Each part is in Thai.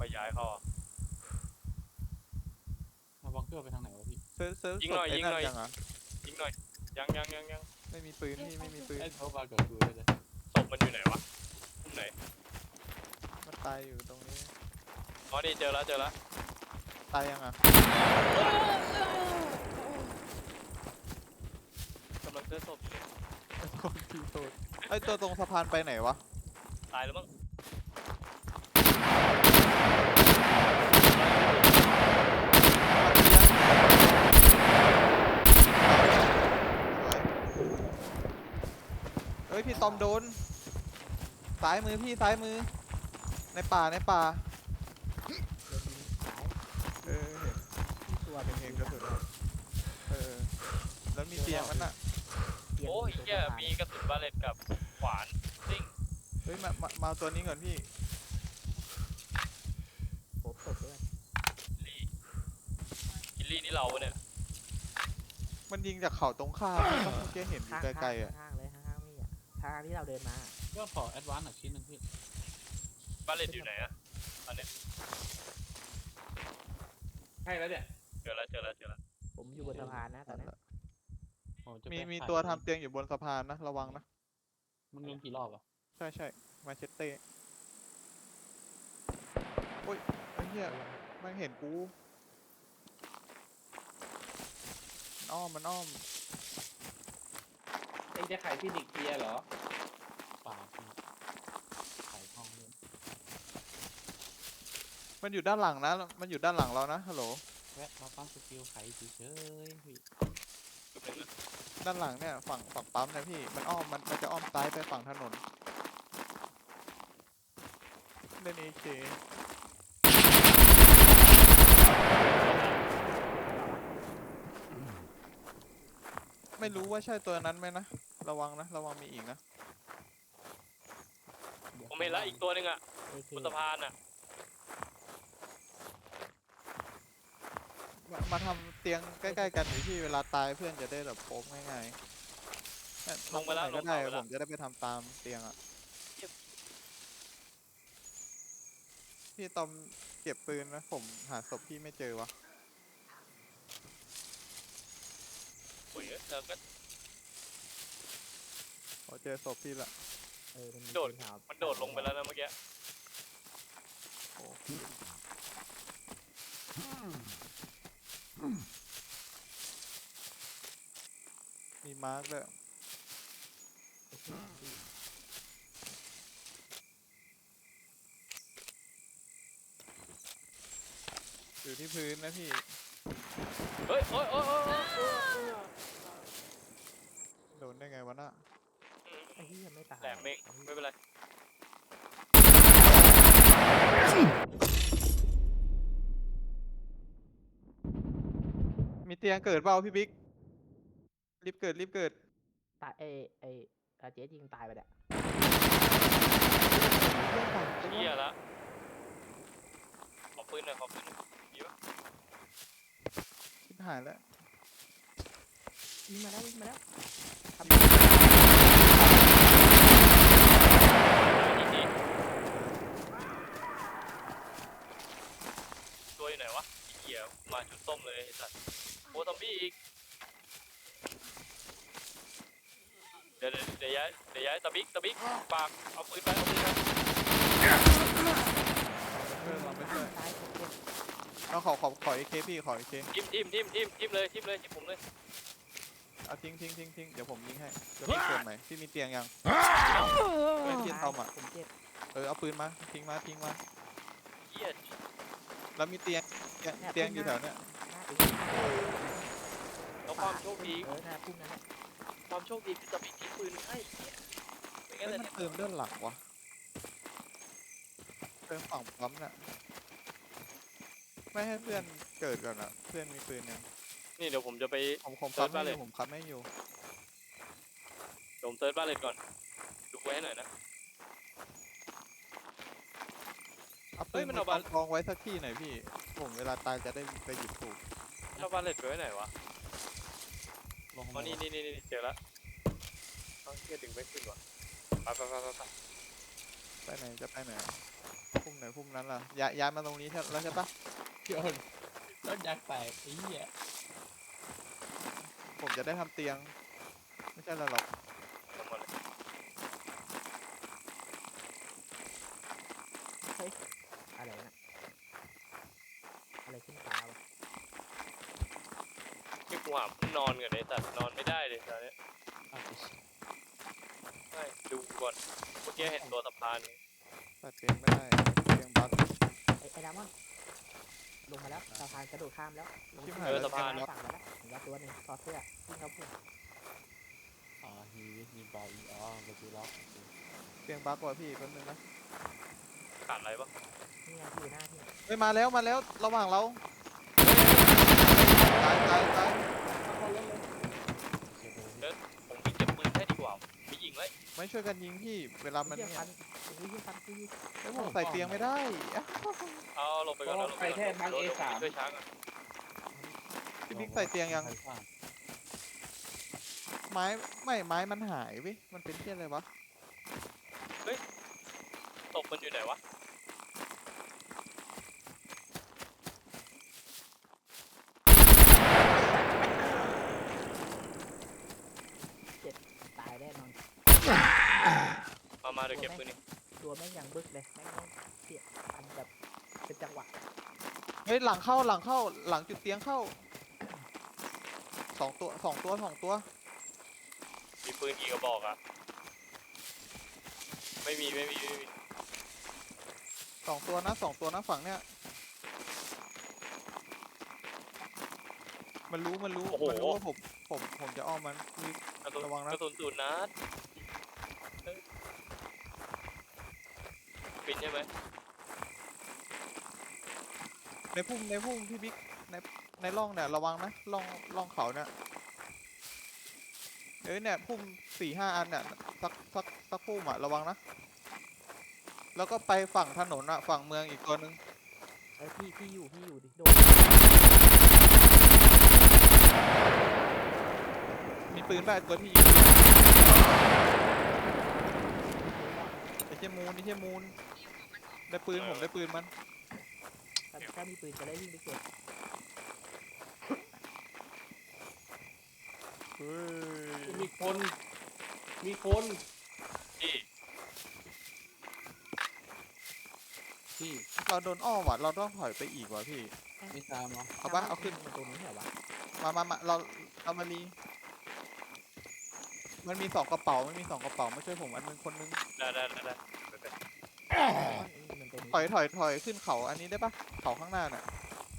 อยย้ายเขาอ่ะมาบังเกอร์ไปทางไหนวะพี่เซิร์ฟยิงหน่อยศพไอ้ยิงนั่หนน่อยยังอ่ะยิงหน่อยยังไม่มีปืนพี่ไม่มีปืนไอ้เขาบากับกูเลยศพมันอยู่ไหนวะมุมไหนมันตายอยู่ตรงนี้อ๋อนี่เจอแล้วตายยังอ่ะกำลังเจอศพอยู่เนี่ยโทษพี่โทษไอ้ตัวตรงสะพานไปไหนวะตายแล้วมั้งเอ้ยพี่ตอมโดนซ้ายมือพี่ซ้ายมือในป่าโดนยิงสายเออเห็นที่ตัวเป็นเห็นกระสุนแล้วมีเตียงมันอ่ะเตียงโอ้ยตรงเหี้ยสะพานมีกระสุนบาเลตกับขวานซิ่งเฮ้ยมาตัวนี้ก่อนพี่โผล่ศพด้วยลี่กิลลี่นี่เราปะเนี่ยมันยิงจากเขาตรงข้ามเมื่อกี้เห็นอยู่ไกลๆอ่ะข้างๆเลยข้างๆนี่อ่ะทางที่เราเดินมาก็ขอแอดวานซ์หน่อยชิ้นหนึงพี่บาเลตอยู่ไหนอะอันเนี้ยใช่แล้วเนี่ยเจอแล้วผมอยู่บนสะพานนะตอนนั้นมีตัวทำเตียงอยู่บนสะพานนะระวังนะมันลงกี่รอบอ่ะใช่มาเชตเต้โอ้ยไอ้เหี้ยมันเห็นกูมันอ้อมเองจะขายฟินิกเกียร์เหรอป่าพี่ขายห้องด้วยมันอยู่ด้านหลังนะมันอยู่ด้านหลังเรานะฮัลโหลแวะมาปั๊มสกิลไขเฉยๆพี่ด้านหลังเนี่ยฝั่งปั๊มนะพี่มันอ้อมมันจะอ้อมซ้ายไปฝั่งถนนเล่น AK ไม่รู้ว่าใช่ตัวนั้นไหมนะระวังมีอีกนะผมเห็นแล้วอีกตัวหนึงอะเอบนสะพานอะมาทำเตียงใกล้ๆกันหรือพี่เวลาตายเพื่อนจะได้แบบโป๊กง่ายๆเนี่ยลงไปแล้วตรหนก็ได้ลงไปแล้วผมจะได้ไปทำตามเตียงอ่ะพี่ตอมเก็บปืนนะผมหาศพพี่ไม่เจอวะโอ้ยเธอก็พอเจอศพพี่ละมันมีโดดปืขาวมันโดดลงไปแล้วนะเมื่อกี้โอ้มีมาร์กด้วยอยู่ที่พื้นนะพี่เฮ้ยโอ้ยโดนได้ไงวะน่ะไอ้ที่ยังไม่ตายแหลมเองไม่เป็นไรมีเตียงเกิดเปล่าพี่บิ๊กรีบเกิดตายเจ๊ยิงตายไปเนี่ยเหี้ยละขอปืนหน่อยมีปะชิบหายแล้ววิ่งมาแล้วทำยิงดิตัวอยู่ไหนวะไอ้เหี้ยมาชุดส้มเลยไอ้สัตว์โอ้ซอมบี้อีกเดี๋ยวย้ายตะบิ๊กปากเอาปืนไปเพื่อนเราไม่ช่วยตายผมเจ็บเอาขอเอเคพี่ขอเอเคทิมเลยทิมผมเลยเอาทิ้งเดี๋ยวผมยิงให้เดี๋ยวพี่เกิดใหม่พี่มีเตียงยังเพื่อนที่ตอมอ่ะผมเจ็บเอาปืนมาทิ้งมาเหี้ยแล้วมีเตียงอยู่แถวเนี้ยหน้าอีกแล้วความโชคดีหน้าพุ่งนั่นแหละความโชคดีคือตะบิ๊กทิ้งปืนให้เนี่ยไม่งั้นเฮ้ยเลยมันเติมด้านหลังวะเติมฝั่งปั๊มน่ะไม่ให้เพื่อนเกิดก่อนอ่ะเพื่อนมีปืนยังนี่เดี๋ยวผมจะไปผมคับไม่อยู่ผมคับไม่อยู่ผมเซิร์ชบ้านเลยก่อนดูไว้ให้หน่อยนะเอาเฮ้ปืยนมันมาเอาบากองไว้สักที่หน่อยพี่ผมเวลาตายจะได้ไปหยิบถูกเอาบ้านเล็ดไปไว้ไหนวะลงอ๋อนี่เจอแล้วเอาเหี้ยดึงไม่ขึ้นว่ะไปไปไหนจะไปไหนพุ่งไหนไหนพุ่มนั้นล่ะย้ายมาตรงนี้แล้วใช่ปะโยนต้นยางแตกไอ้เหี้ยผมจะได้ทำเตียง ไม่ใช่อะไรหรอกทำหมดเลยอะไรนะอะไรขึ้นฟ้าวะที่กูหาพุ่นนอนก่อนเลยแต่นอนไม่ได้เลยตอนนี้เอาไปชิไม่ดูก่อนเมื่อกี้เห็นตัวสะพานใส่เตียงไม่ได้เตียงบั๊กไอ้ดามอนลงมาแล้วสะพานกระโดดข้ามแล้วลงชิบที่หายเออแล้วสะพานเตียงบั๊กฝั่งมาแล้วเห็นว่าตัวหนึ่งถอดเสื้อวิ่งเข้าพุ่งฮีมีบาอีอ๋อมาดูล็อกเตียงบั๊กว่ะพี่แป๊บนึงนะขาดอะไรปะนี่ไงที่อยู่หน้าที่เฮ้ยมาแล้วระหว่างเราตายเขาเล่นเลยผมไปเก็บปืนให้ดีกว่าไปยิงเลยไม่ช่วยกันยิงพี่เวลามันเยี่ยเนี่ยฟันเยี่ยฟันคือเฮ้ยผมใส่เตียงไม่ได้อะเอาลงไปก่อนแล้วลงไปแค่บัง A3 ช่วยช้างอ่ะพี่บิ๊กใส่เตียงยังไม้ไม่ไม้มันหายเว้ยมันเป็นที่อะไรวะตกมันอยู่ไหนวะตายแน่นอนมาเดี๋ยวเก็บปืนนี่ตัวแม่งยังบึกเลยแม่งเสียอันแบบเป็นจังหวะเฮ้ยหลังเข้าหลังจุดเตียงเข้าสองตัวมีปืนกี่กระบอกอ่ะไม่มีสองตัวนะฝั่งเนี้ยมันรู้ว่าผมจะอ้อมมันมีกระสุนระวังนะกระสุนศูนย์นัดเฮ้ยปินใช่ไหมในพุ่มพี่บิ๊กในร่องเนี่ยระวังนะร่องเขาเนี่ยเนี่ยพุ่ม4-5 อันเนี่ยสักพุ่มอ่ะระวังนะแล้วก็ไปฝั่งถนนอ่ะฝั่งเมืองอีกตัวนึงเออพี่อยู่ดิโดนมีปืนแบบตัวที่ยิงไอ้เชี่ยมูนได้ปืนผมได้ปืนมันถ้ามีปืนจะได้วิ่งไปเก็บเฮ้ยมีคนที่ที่เราโดนอ้อมว่ะเราต้องถอยไปอีกว่ะพี่ไม่ตามเหรอเอาปะเอาขึ้นมันตรงนี้เหรอวะมาเรามารีมันมี2 กระเป๋าไม่ช่วยผมอันนึงคนนึงได้มันตรงนี้ถอยขึ้นเขาอันนี้ได้ปะเขาข้างหน้าน่ะ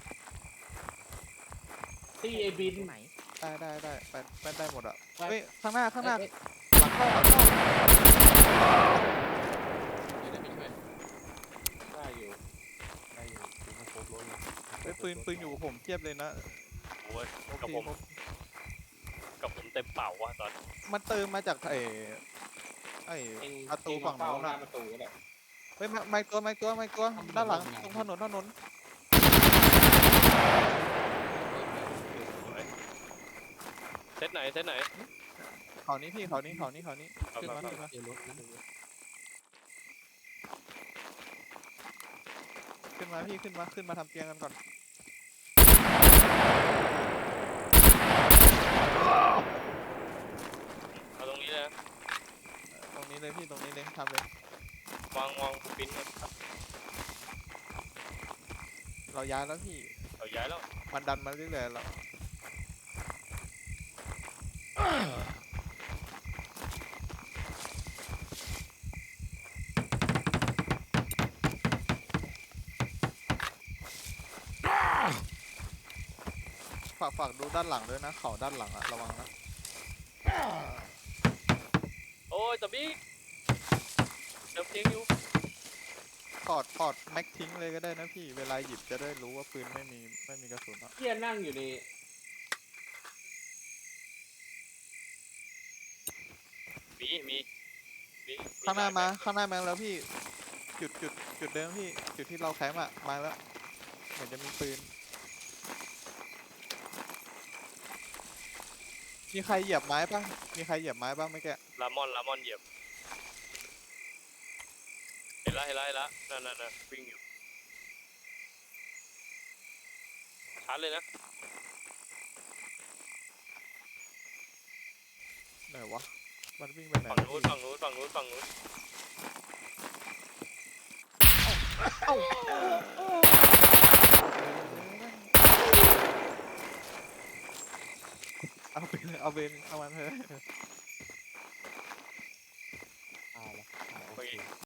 ที่ไอบินตรงไหนได้ไปได้หมดอ่ะไปเฮ้ยข้างหน้าเอ้ยหลังเข้าเดี๋ยวได้ไปช่วยได้อยู่ถึงมาครบรถแล้วเฮ้ยปืนอยู่กับผมเทียบเลยนะโอ้ยโอกับเคผมเต็มเป่าวะตอนมันเติมมาจากไอ้เองประตูฝั่งโน้นหน้าอ่ะประตูก็ได้เฮ้ยไม่ตัวด้านหลังตรงถนนเซตไหนเขานี้พี่เขานี้เอาขึ้นมามาเดี๋ยวรถนะพี่ขึ้นมาทำเตียงกันก่อนเอาตรงนี้เลยนะตรงนี้เลยพี่ตรงนี้เลยทำเลยวางปินก่อนเราย้ายแล้วพี่เอาย้ายแล้วมันดันมาเรื่อยๆแล้วฝากดูด้านหลังด้วยนะเขาด้านหลังอะระวังนะโอ้ยตะบี้เดิมเพียงอยู่ถอดแม็กทิ้งเลยก็ได้นะพี่เวลาหยิบจะได้รู้ว่าปืนไม่มีกระสุนอะเที่ยนั่งอยู่ในมีข้างหน้ามาแล้วพี่จุดเดิมพี่จุดที่เราแคมป์อะมาแล้วเหมือนจะมีปืนมีใครเหยียบไม้ป่ะไม่แกลามอนเหยียบเห็นละนั่นวิ่งอยู่ชาร์จเลยนะไหนวะมันวิ่งไปไหนฝั่งแล้วนู้นพี่ฝั่งนู้นฝั่งนู้นฝั่งนู้นเอ้าเอาไปเลยเอาเบนเอามันเถอะตายแล้วโอเมื่อเคกี้